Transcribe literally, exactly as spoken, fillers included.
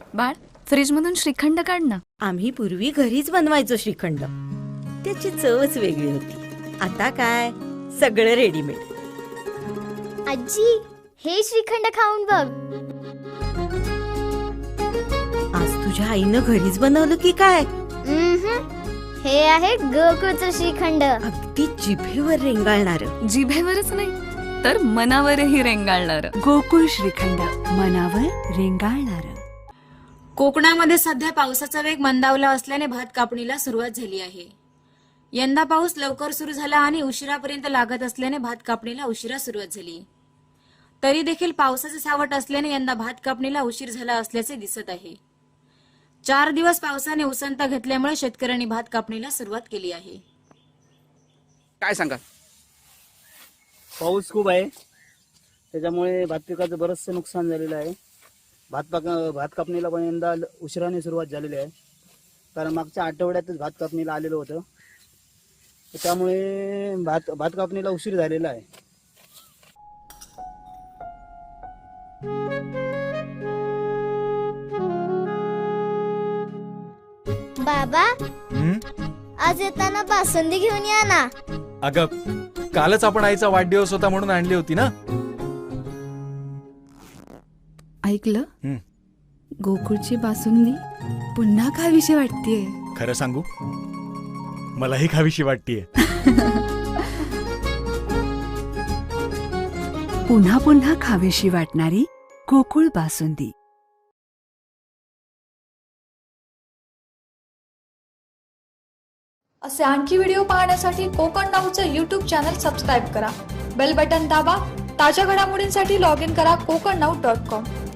बाळ, फ्रीज मधून श्रीखंड काढ ना. आम्ही पूर्वी घरीच बनवायचो श्रीखंड. त्याची चवच वेगळी होती. आता काय सगळं रेडीमेड. आजी, हे श्रीखंड खाऊन बघ. आज तुझ्या आईनं घरीच बनवलं की काय? उम्हम. हे आहे गोकुळचं श्रीखंड. अगदी जिभेवर रेंगाळणार. जिभेवरच नाही तर मनावरही रेंगाळणार. गोकुळ श्रीखंड, मनावर रेंगाळणार. कोकणामध्ये सध्या पावसाचा वेग मंदावला असल्याने भात कापणीला सुरुवात झाली आहे. यंदा पाऊस लवकर सुरू झाला आणि उशिरापर्यंत लागत असल्याने भात कापणीला उशिरा सुरुवात झाली. तरी देखील पावसाचे सावट असल्याने यंदा भात कापणीला उशीर झाला असल्याचे दिसत आहे. चार दिवस पावसाने उसंत घेतल्यामुळे शेतकऱ्यांनी भात कापणीला सुरुवात केली आहे. काय सांगा? पाऊस खूप आहे, त्याच्यामुळे भात पिकाचं बरंचसं नुकसान झालेलं आहे. भात पाक भात कापणीला पण यंदा उशिराने सुरुवात झालेली आहे, कारण मागच्या आठवड्यातच भात कापणीला आलेलं होतं. त्यामुळे भात भात कापणीला उशीर झालेला आहे. बाबा, आज येताना बासुंदी घेऊन या ना. अगं, कालच आपण आईचा वाढदिवस होता म्हणून आणली होती ना. ऐकलं? हं. गोकुळची बासुंदी पुन्हा खावीशी वाटतेय. खरं सांगू, मलाही खावीशी वाटतीये. पुन्हा पुन्हा खावीशी वाटणारी गोकुळ बासुंदी. असे आणखी व्हिडिओ पाहण्यासाठी कोकण नाऊचं यूट्यूब चॅनल सबस्क्राईब करा. बेल बटन दाबा. ताज्या घडामोडींसाठी लॉग इन करा कोकण नाऊ डॉट कॉम.